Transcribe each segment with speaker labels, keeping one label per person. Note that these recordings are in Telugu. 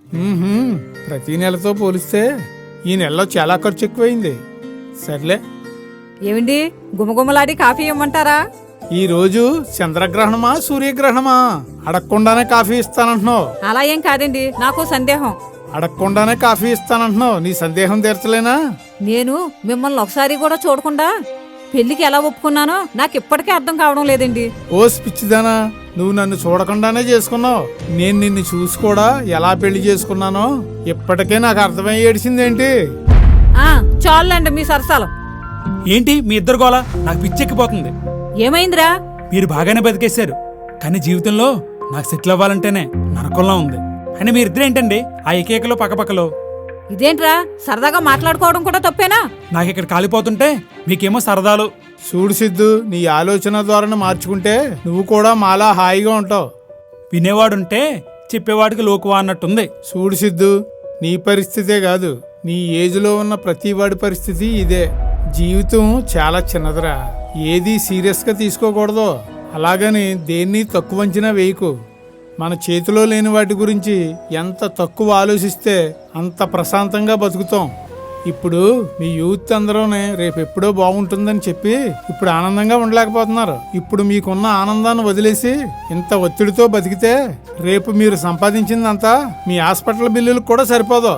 Speaker 1: ప్రతి నెలతో పోలిస్తే ఈ నెలలో చాలా ఖర్చు ఎక్కువైంది. సర్లే.
Speaker 2: ఏమండి, గుమగుమలాడి కాఫీ ఇవ్వమంటారా?
Speaker 1: ఈ రోజు చంద్రగ్రహణమా సూర్యగ్రహణమా? అడగకుండానే కాఫీ ఇస్తానంటున్నావు.
Speaker 2: అలా ఏం కాదండి, నాకు సందేహం.
Speaker 1: అడగకుండానే కాఫీ ఇస్తానంటున్నావు, నీ సందేహం తీర్చలేనా?
Speaker 2: నేను మిమ్మల్ని ఒకసారి కూడా చూడకుండా పెళ్లికి ఎలా ఒప్పుకున్నానో నాకు ఇప్పటికే అర్థం కావడం లేదండి.
Speaker 1: ఓ పిచ్చిదానా, నువ్వు నన్ను చూడకుండానే చేసుకున్నావు. నేను నిన్ను చూసి కూడా ఎలా పెళ్లి చేసుకున్నానో ఇప్పటికే నాకు అర్థమై ఏడిసిందేంటి?
Speaker 2: చాలండి మీ సరసాలు.
Speaker 3: ఏంటి మీ ఇద్దరు గోల? నాకు పిచ్చెక్కిపోతుంది.
Speaker 2: ఏమైందిరా?
Speaker 3: మీరు బాగానే బతికేశారు, కానీ జీవితంలో నాకు సెటిల్ అవ్వాలంటేనే నరకంలా ఉంది. అని మీరిద్దరు ఏంటండి ఆ ఏకేకలో పక్కపక్కలో?
Speaker 2: ఇదేంట్రా, సరదాగా మాట్లాడుకోవడం కూడా తప్పేనా?
Speaker 3: నాకు ఇక్కడ కాలిపోతుంటే మీకేమో సరదాలు.
Speaker 1: చూడు సిద్ధు, నీ ఆలోచన ధోరణి మార్చుకుంటే నువ్వు కూడా మాలా హాయిగా ఉంటావు.
Speaker 3: వినేవాడుంటే చెప్పేవాడికి లోకువా అన్నట్టుంది.
Speaker 1: చూడు సిద్ధు, నీ పరిస్థితే కాదు, నీ ఏజ్లో ఉన్న ప్రతి వాడి పరిస్థితి ఇదే. జీవితం చాలా చిన్నదిరా, ఏది సీరియస్గా తీసుకోకూడదు. అలాగని దేన్ని తక్కువ అంచనా వేయకు. మన చేతిలో లేని వాటి గురించి ఎంత తక్కువ ఆలోచిస్తే అంత ప్రశాంతంగా బతుకుతాం. ఇప్పుడు మీ యూత్ అందరూనే రేపెప్పుడో బాగుంటుందని చెప్పి ఇప్పుడు ఆనందంగా ఉండలేకపోతున్నారు. ఇప్పుడు మీకున్న ఆనందాన్ని వదిలేసి ఇంత ఒత్తిడితో బతికితే రేపు మీరు సంపాదించిందంతా మీ హాస్పిటల్ బిల్లులకు కూడా సరిపోదు.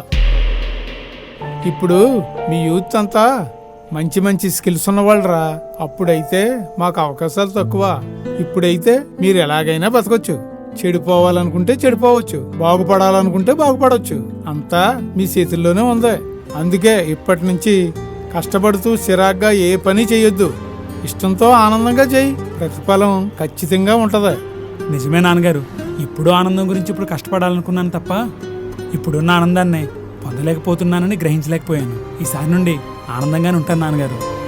Speaker 1: ఇప్పుడు మీ యూత్ అంతా మంచి మంచి స్కిల్స్ ఉన్నవాళ్ళరా. అప్పుడైతే మాకు అవకాశాలు తక్కువ. ఇప్పుడైతే మీరు ఎలాగైనా బతకొచ్చు. చెడిపోవాలనుకుంటే చెడిపోవచ్చు, బాగుపడాలనుకుంటే బాగుపడవచ్చు. అంతా మీ చేతుల్లోనే ఉంది. అందుకే ఇప్పటి నుంచి కష్టపడుతూ చిరాగ్గా ఏ పని చేయొద్దు. ఇష్టంతో ఆనందంగా చేయి, ప్రతిఫలం ఖచ్చితంగా ఉంటది.
Speaker 3: నిజమే నాన్నగారు, ఇప్పుడు ఆనందం గురించి ఇప్పుడు కష్టపడాలనుకున్నాను తప్ప ఇప్పుడున్న ఆనందాన్ని పొందలేకపోతున్నానని గ్రహించలేకపోయాను. ఈసారి నుండి ఆనందంగానే ఉంటాను నాన్నగారు.